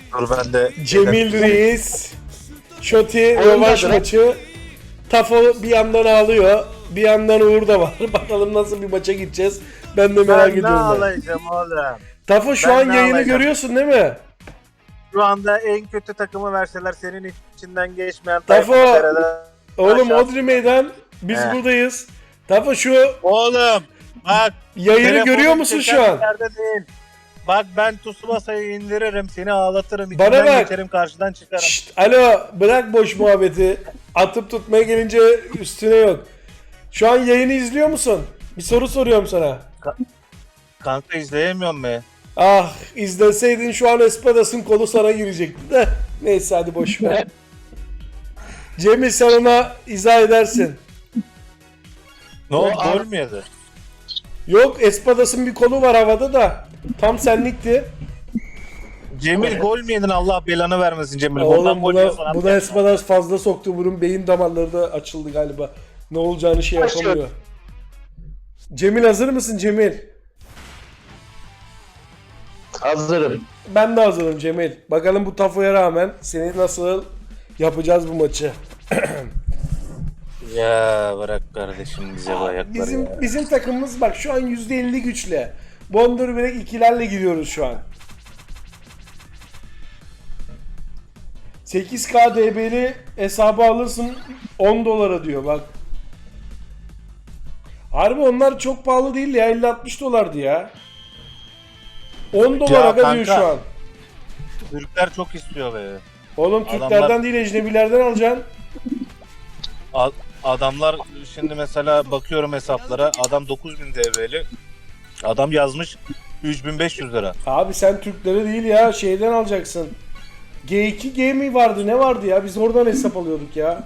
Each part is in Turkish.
Dur ben de. Cemil Reis, Şoti rövanş maçı. Tafo bir yandan ağlıyor, bir yandan Uğur da var. Bakalım nasıl bir maça gideceğiz. Ben de merak Ben ne ediyorum. ağlayacağım oğlum? Tafo şu Ben an ne yayını ağlayacağım? görüyorsun değil mi? Şu anda en kötü takımı verseler senin içinden geçmeyen Tafo, Tayfun oğlum aşağı- Odri Meydan, biz He. buradayız. Tafo şu Oğlum bak. yayını telefonun görüyor musun şu çeken an? yerde değil. Bak ben Tsubasa'yı indiririm, seni ağlatırım, Bana içinden bak. geçerim, karşıdan çıkarım. Şşt, alo, bırak boş muhabbeti. Atıp tutmaya gelince üstüne yok. Şu an yayını izliyor musun? Bir soru soruyorum sana. Kanka izleyemiyorum be. Ah, izleseydin şu an Espadas'ın kolu sana girecekti de. Neyse hadi boş ver. Cemil sen ona izah edersin. Ne oldu, gol mü yedi? Yok, Espadas'ın bir kolu var havada da. Tam senlikti. Cemil gol mü yedin, Allah belanı vermesin Cemil. Oğlum Golden gol yiyorsun abi. buna Espadas fazla soktu. Bunun beyin damarları da açıldı galiba. Ne olacağını şey yapamıyor. Cemil hazır mısın Cemil? Hazırım. Ben de hazırım Cemil. Bakalım bu Tafo'ya rağmen seni nasıl yapacağız bu maçı. Ya bırak kardeşim bize bu ayakları Bizim ya. bizim takımımız bak şu an %50 güçle. Bondur Break ikilerle gidiyoruz şu an. 8K DB'li hesabı alırsın 10 dolara diyor bak. Harbi onlar çok pahalı değil ya, 50-60 dolardı ya. 10 dolar aga diyor kanka. şu an. Türkler çok istiyor be. Oğlum Türklerden değil ecnebilerden alacaksın. Adamlar şimdi mesela bakıyorum hesaplara, adam 9000 DB'li. Adam yazmış 3500 lira. Abi sen Türkleri değil ya şeyden alacaksın. G2G mi vardı ne vardı ya, biz oradan hesap alıyorduk ya.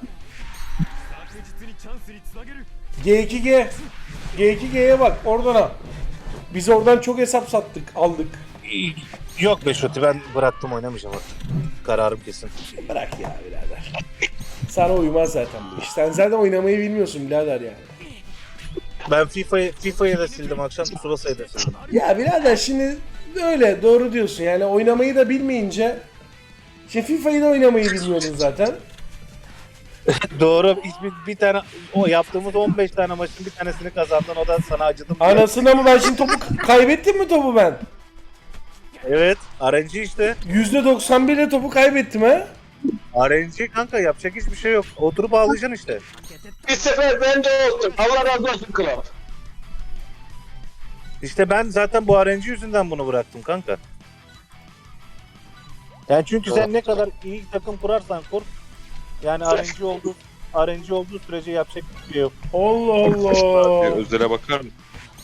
G2G. G2G'ye bak oradan al. Biz oradan çok hesap sattık aldık. Yok be Şoti, ben bıraktım, oynamayacağım artık. Kararım kesin. Bırak ya birader. Sana uymaz zaten bu iş. Sen zaten oynamayı bilmiyorsun birader yani. Ben FIFA'yı da sildim akşam, Tsubasa'yı da sildim. Ya birader şimdi öyle doğru diyorsun yani oynamayı da bilmeyince FIFA'yı da oynamayı bilmiyordun zaten. Doğru, bir tane o yaptığımız 15 tane maçın bir tanesini kazandın, o da sana acıdım diye. Anasını mı ben şimdi topu kaybettim mi topu ben? Evet, RNG işte. %91 ile topu kaybettim ha. RNG kanka, yapacak hiçbir şey yok. Oturup ağlayacaksın işte. Bir sefer bende olsun. Allah razı olsun kral. İşte ben zaten bu RNG yüzünden bunu bıraktım kanka. Yani çünkü sen ne kadar iyi takım kurarsan kur, yani RNG olduğu sürece yapacak bir şey yok. Allah Allah. Özlere bakar mısın?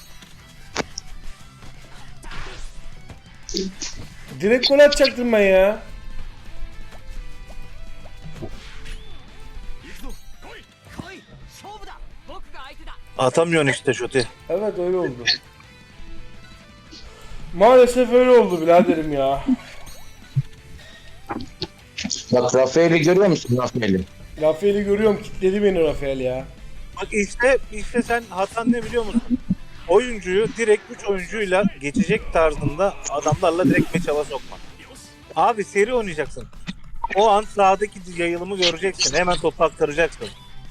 Direkt gol atacaktım ben ya. Atamıyorsun işte Şoti. Evet öyle oldu. Maalesef öyle oldu biraderim ya. Bak Rafael'i görüyor musun Rafael'i? Rafael'i görüyorum, kitledi beni Rafael ya. Bak işte sen hatan ne biliyor musun? Oyuncuyu direkt 3 oyuncuyla geçecek tarzında adamlarla direkt meç hava sokma. Abi seri oynayacaksın. O an sahadaki yayılımı göreceksin. Hemen topu aktaracaksın.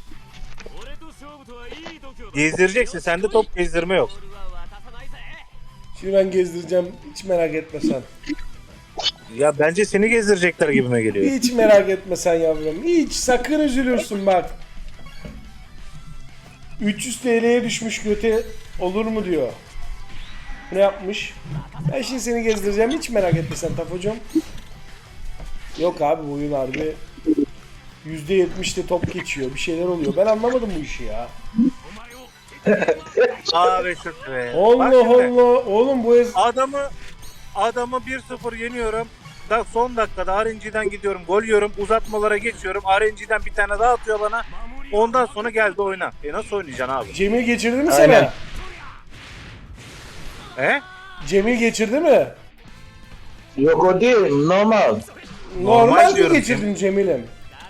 Gezdireceksin. Sende top gezdirme yok. Şimdi ben gezdireceğim, hiç merak etme sen. Ya bence seni gezdirecekler gibime geliyor. Hiç merak etme sen yavrum. Hiç sakın üzülürsün bak. 300 TL'ye düşmüş göte olur mu diyor. Ne yapmış? Ben şimdi seni gezdireceğim, hiç merak etme sen Tafocuğum. Yok abi bu oyun harbi %70'de top geçiyor, bir şeyler oluyor. Ben anlamadım bu işi ya. Abi şu be. Bak Allah şimdi, Allah. Oğlum bu Adamı 1-0 yeniyorum. Son dakikada RNG'den gidiyorum, gol yiyorum, uzatmalara geçiyorum. RNG'den bir tane daha atıyor bana. Ondan sonra geldi oyna. Nasıl oynayacaksın abi? Cemil geçirdi mi Aynen. sana? He? Cemil geçirdi mi? Yok o değil normal. Normal mi diyorum geçirdin Cemil'im?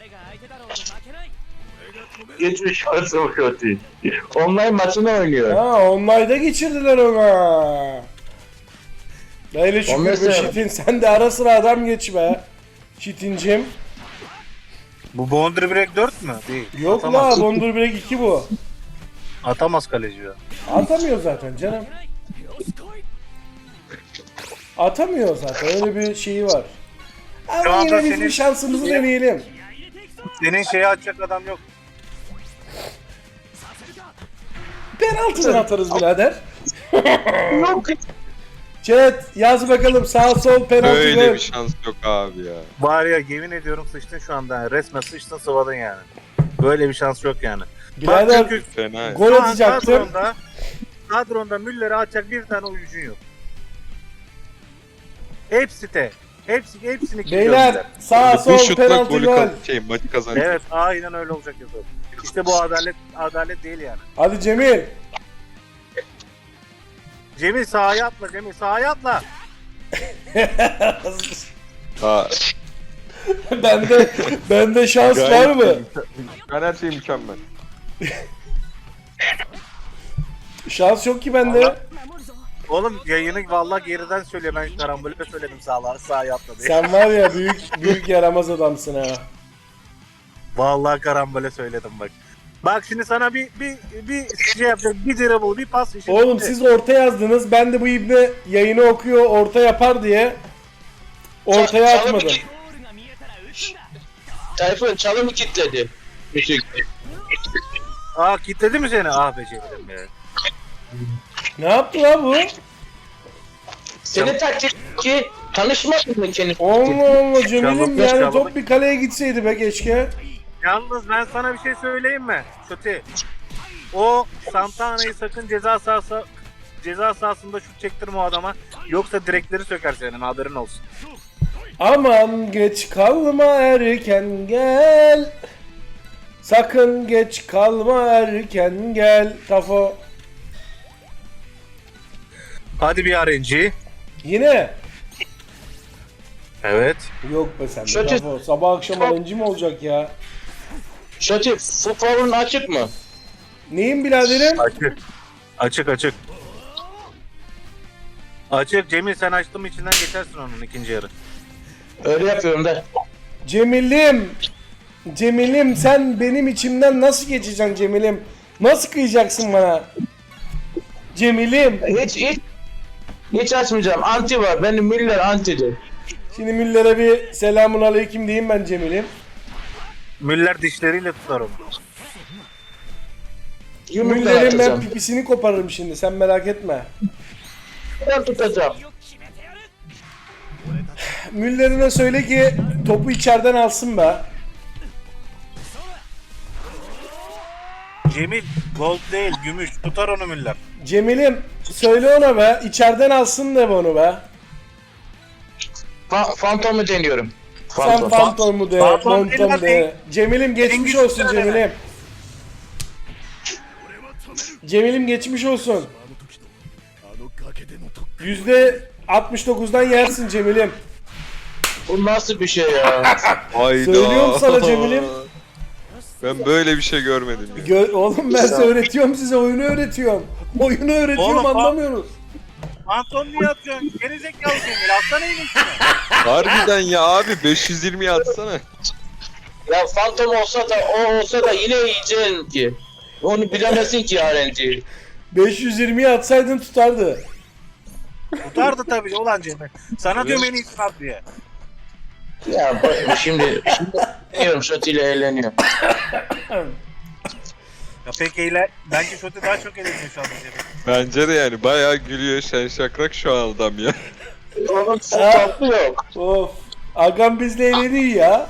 Geçmiş olsun kötü. Online maçını oynuyor. Ha, online'da geçirdiler ona. Böyle şükür Ondan be sonra- şitin, sen de ara sıra adam geç be. Çitincim. Bu Boundary Break 4 mü? Değil. Yok Atamaz. la Bondur Break 2 bu. Atamaz kaleci ya. Atamıyor zaten canım. Atamıyor zaten öyle bir şeyi var. Şu Ama anda yine biz senin- bir şansımızı deneyelim. Senin şeyi açacak adam yok. Penaltıdan atarız birader. Yok. Chat yaz bakalım sağ sol penaltı Böyle gol. bir şans yok abi ya. Var ya yemin ediyorum sıçtın şu anda. Yani. Resmen sıçtın sıvadın yani. Böyle bir şans yok yani. Birader çünkü Fena ya. gol şu an atacaktım. kadronda Müller'e atacak bir tane oyuncun yok. Hepsi de. Hepsini kilitliyor Beyler Müller. sağ Bu sol şutla penaltı golü gol. maçı kazanacak. Evet aynen öyle olacak Yusuf. İşte bu adalet değil yani. Hadi Cemil. Cemil sahaya atla Cemil sahaya atla. Ha, bende şans var gayet mı? Ben her şey mükemmel. Şans yok ki bende. Allah. Oğlum yayını vallahi geriden söylüyor. Ben karambole söyledim sahaya atla diye. Sen var ya büyük yaramaz adamsın ha. Vallahi karambole söyledim bak. Bak şimdi sana bir şey yapacak. Bir dribble, bir pas. işi Oğlum bitti. siz orta yazdınız. Ben de bu ibne yayını okuyor orta yapar diye ortaya atmadım. Tayfun çalımı kilitledi. Müzik. Aa kilitledi mi seni? Ah be Cemil'im ya. Ne yaptı la bu? Senin taktik ki tanışmadın mı kendi? Allah Allah Cemil'im Çalımı- yani çalımı- top bir kaleye gitseydi be keşke. Yalnız ben sana bir şey söyleyeyim mi? Şuti. O Santana'yı sakın ceza sahasında şut çektirme o adama. Yoksa direkleri söker senin haberin olsun. Aman geç kalma erken gel. Sakın geç kalma erken gel. Tafo. Hadi bir RNG. Yine. Evet. Yok be sen de Şöyle- Tafo. Sabah akşam alıncı mı olacak ya? Şöyle futbolun açık mı? Neyim biraderim? Açık. Açık Cemil sen açtın mı içinden geçersin onun ikinci yarı. Öyle yapıyorum da. Cemil'im. Cemil'im sen benim içimden nasıl geçeceksin Cemil'im? Nasıl kıyacaksın bana? Cemil'im. Hiç açmayacağım. Anti var. Benim Müller antidir. Şimdi Müller'e bir selamun aleyküm diyeyim ben Cemil'im. Müller dişleriyle tutar onu. Yumrukla Müller'in ben atacağım. pipisini koparırım şimdi sen merak etme. Ben tutacağım. Müller'ine söyle ki topu içeriden alsın be. Cemil gold değil gümüş tutar onu Müller. Cemil'im söyle ona be içeriden alsın de onu be. Fantomu deniyorum. Sen fantomu de, Fantom montom değil de. lan, Cemil'im geçmiş Cengiz olsun Ünder Cemil'im. Cemil'im geçmiş olsun. %69'dan yersin Cemil'im. Bu nasıl bir şey ya? Hayda. Söylüyorum sana Cemil'im. Ben böyle bir şey görmedim ya. Oğlum ben size öğretiyorum size oyunu öğretiyorum. Oyunu öğretiyorum Oğlum, anlamıyorsunuz. Anton niye atıyorsun? Gerizekalı Cemil atsana elini içine. Harbiden ya abi 520'ye atsana. Ya Fantom olsa da o olsa da yine yiyeceksin ki. Onu bilemezsin ki RNG'yi. 520'ye atsaydın tutardı. Tutardı tabii ulan Cemil. Sana diyorum en iyisini at diye. Ya bak şimdi eğleniyorum şöyle eğleniyor. Ya peki bence Şoti daha çok eğleniyor şu anda Cemil. Bence de yani bayağı gülüyor şen şakrak şu an adam ya. Onun futbolu yok. Of. Agam bizle eğleniyor ya.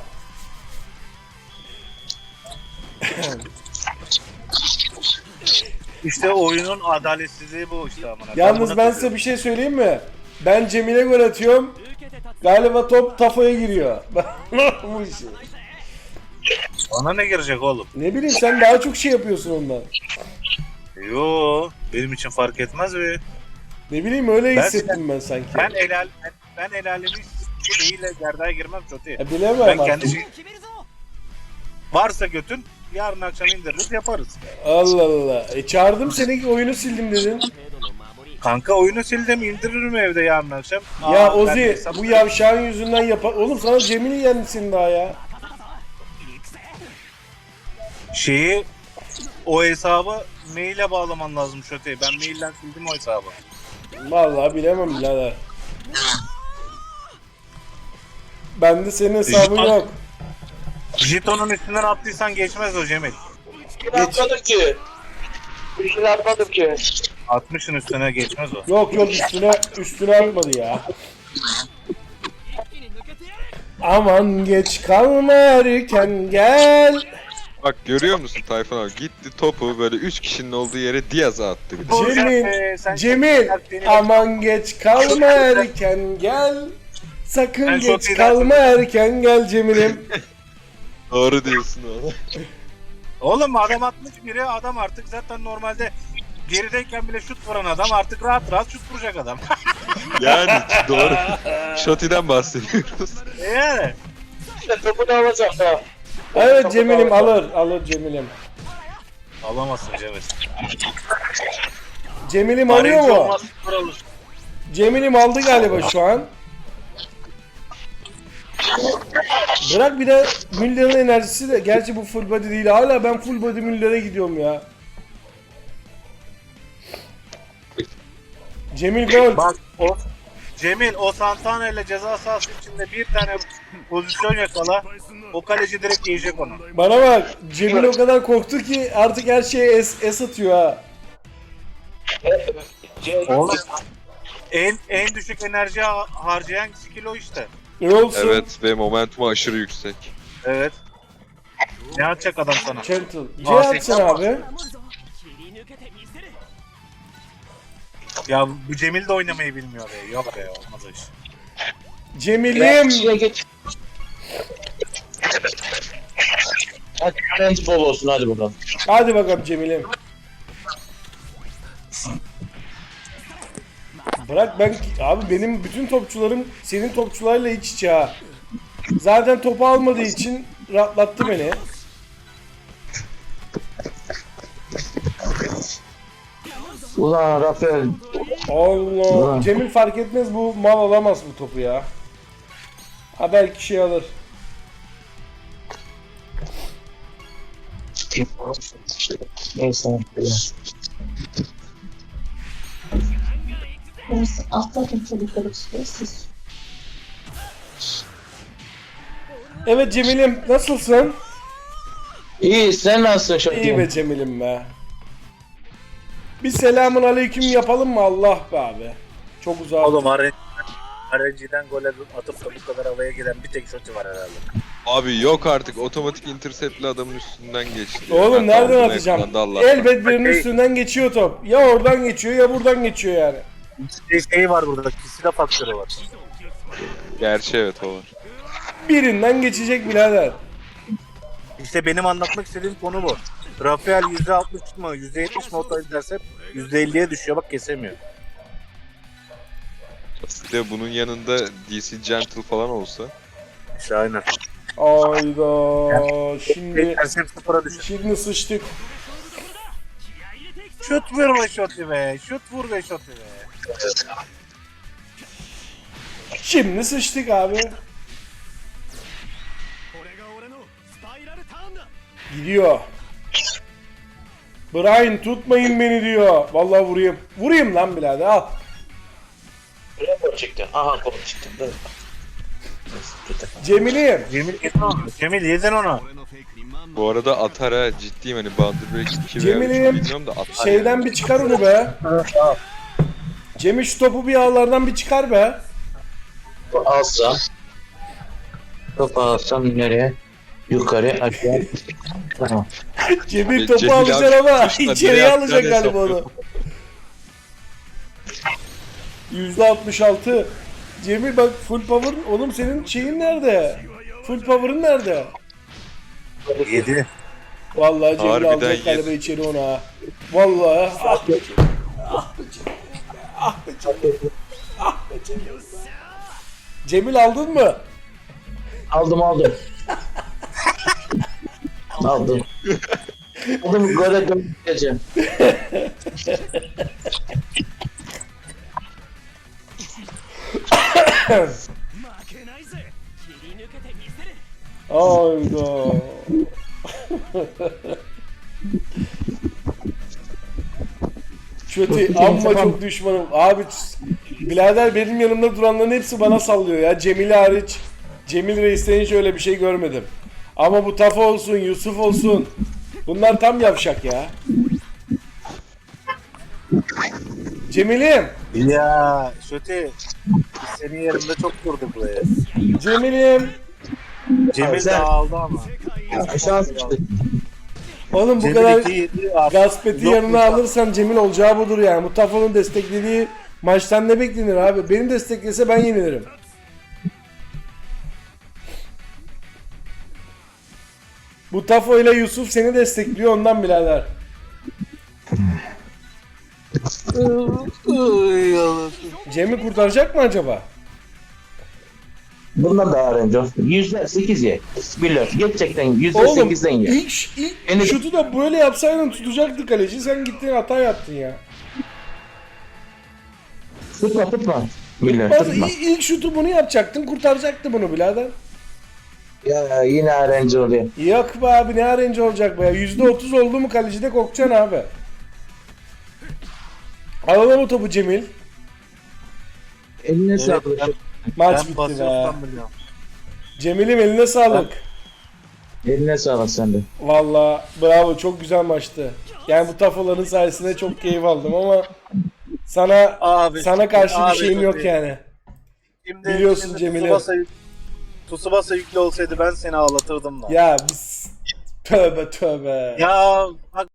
İşte oyunun adaletsizliği bu işte amına. Yalnız ben size bir şey söyleyeyim mi? Ben Cemil'e gol atıyorum. Galiba top Tafo'ya giriyor. Bu işi. Bana ne girecek oğlum? Ne bileyim sen daha çok şey yapıyorsun ondan. Yo benim için fark etmez be. Ne bileyim öyle Ben- hissettim ben sanki. Ben el alemin şeyiyle gerdeğe girmem Şoti. Bilemem Ben artık. kendi şey... Varsa götün yarın akşam indiririz yaparız. Allah Allah. Çağırdım seni oyunu sildim dedin. Kanka oyunu sildim indiririm evde yarın akşam. Ya ben Ozi hesap- bu yavşağın yüzünden yapar. Oğlum sana Cemil'i yensin daha ya. Şeyi o hesabı maile bağlaman lazım Şöte'ye. Ben mailden sildim o hesabı. Vallahi bilemem birader. Bende senin hesabın Jeton- yok. Jetonun üstünden attıysan geçmez o Cemil. Atmadım ki. Bir şey atmadım ki. 60'ın üstüne geçmez o. Yok yok üstüne atmadı ya. Aman geç kalma erken gel. Bak görüyor musun Tayfun abi? Gitti topu böyle 3 kişinin olduğu yere Diaz'a attı. Bir de. Cemil aman geç kalma erken gel. Sakın Ben çok geç iyi kalma erken gel Cemil'im. Doğru diyorsun oğlum. Oğlum adam 61'e adam artık zaten normalde gerideyken bile şut vuran adam artık rahat rahat şut vuracak adam. Yani doğru. Şoti'den bahsediyoruz. Yani. İşte topu da alacak ha. Evet Cemil'im alır Cemil'im. Alamazsın Cemil. Cemil'im alıyor Arayıcı mu? olmaz, sıfır alır. Cemil'im aldı galiba şu an. Bırak bir de Müller'in enerjisi de. Gerçi bu full body değil. Hala ben full body Müller'e gidiyorum ya. Cemil gol. Bak o Cemil o Santana ile ceza sahası içinde bir tane pozisyon yakala. O kaleci direkt yiyecek onu. Bana bak. Cemil o kadar korktu ki artık her şeye es atıyor ha. Oğlum en düşük enerji harcayan skill o işte. Ne olsun? Evet ve momentumu aşırı yüksek. Evet. Ne atacak adam sana? Gentle. C atsın abi. Ya bu Cemil de oynamayı bilmiyor be. Yok be olmaz o iş. Cemil'im. İçine geç. Hadi öğrenci bol olsun hadi bakalım. Hadi bakalım Cemil'im. Bırak abi benim bütün topçularım senin topçularla iç içe ha. Zaten topu almadığı için rahatlattı beni. Ulan Rafael. Allah. Cemil fark etmez bu mal alamaz bu topu ya. Ha belki şey alır. Neyse. Atladım çocukları siz. Evet Cemil'im nasılsın? İyi sen nasılsın şu İyi be Cemil'im be. Bir selamun aleyküm yapalım mı Allah be abi. Çok uzak. Oğlum RNG'den gol atıp da bu kadar havaya giden bir tek şutu var herhalde. Abi yok artık otomatik interceptli adamın üstünden geçti. Oğlum Ben nereden bunu atacağım? ekranda Allah. Elbet birinin üstünden geçiyor top. Ya oradan geçiyor ya buradan geçiyor yani. Şey var burada, kişide faktörü var. Gerçi evet o var. Birinden geçecek birader. İşte benim anlatmak istediğim konu bu. Rafael %60 mı %70 mi otoy derse %50'ye düşüyor bak kesemiyor. Aslında bunun yanında DC Gentle falan olsa. İşte aynen. Ayda şimdi Derse sıfıra düşüyor. şimdi sıçtık. Şut vur be şutu be. Şut vur be şutu be. Şimdi sıçtık abi. Gidiyor. Brian tutmayın beni diyor. Vallahi vurayım. Vurayım lan birader al. Gol çıktı. Aha gol çıktı. Dur. Cemil'im. Cemil yedin onu. Cemil yedin onu. Bu arada atar ha ciddiyim hani Boundary Break 2 veya 3 Cemil'im bilmiyorum da atar şeyden yani. bir çıkar onu be. Cemil şu topu bir ağlardan bir çıkar be. Alsam. Topu alsam nereye? Yukarı aşağı. Tamam. Cemil Cemil topu abi alacak ama tutmuşlar, içeriye nereye alacak atacağını galiba onu. %66. Cemil bak full power oğlum senin şeyin nerede? Full power'ın nerede? Yedi. Vallahi Cemil Harbiden alacak yedi. galiba içeri onu ha. Vallahi ah be Cemil. Ah be Cemil. Ah be Cemil. Ah be Cemil. Cemil aldın mı? Aldım. Aldım gole döneceğim. Hayda. Kötü amma çok düşmanım. Abi birader benim yanımda duranların hepsi bana sallıyor ya. Cemil hariç. Cemil Reis'ten hiç öyle bir şey görmedim. Ama bu Tafa olsun, Yusuf olsun. Bunlar tam yavşak ya. Cemil'im. Ya Şöti senin yerinde çok durduk buraya. Cemil'im. Cemil de aldı ama. Aşağı sıçtı. Oğlum bu Cemil kadar 2-7 artık Gaspet'i yok yanına mu? alırsan Cemil olacağı budur yani. Bu Tafa'nın desteklediği maçtan ne beklenir abi? Beni desteklese ben yenilirim. Bu Tafo ile Yusuf seni destekliyor ondan birader. Cem'i kurtaracak mı acaba? Bundan daha RNG. %8 ye. Biliyor. Gerçekten Oğlum %8'den ye. ilk Beni- şutu da böyle yapsaydın tutacaktı kaleci. Sen gittin hata yaptın ya. Tutma. Biliyor. Bazı Tutma. ilk şutu bunu yapacaktın kurtaracaktı bunu birader. Ya yine RNG oluyor. Yok be abi ne arayınca olacak be ya. %30 oldu mu kalecide kokcan abi. Alalım o topu Cemil. Eline Evet, sağlık. Maç Ben bitti be. basıyorsam biliyorum. Cemil'im eline sağlık. Eline sağlık sende. Valla bravo çok güzel maçtı. Yani bu tafoların sayesinde çok keyif aldım ama sana Abi, sana karşı bir abi, şeyim yok çok yani. Şimdi, Biliyorsun Cemil'im. Tsubasa yüklü olsaydı ben seni ağlatırdım da. Ya biz tövbe tövbe. Ya bak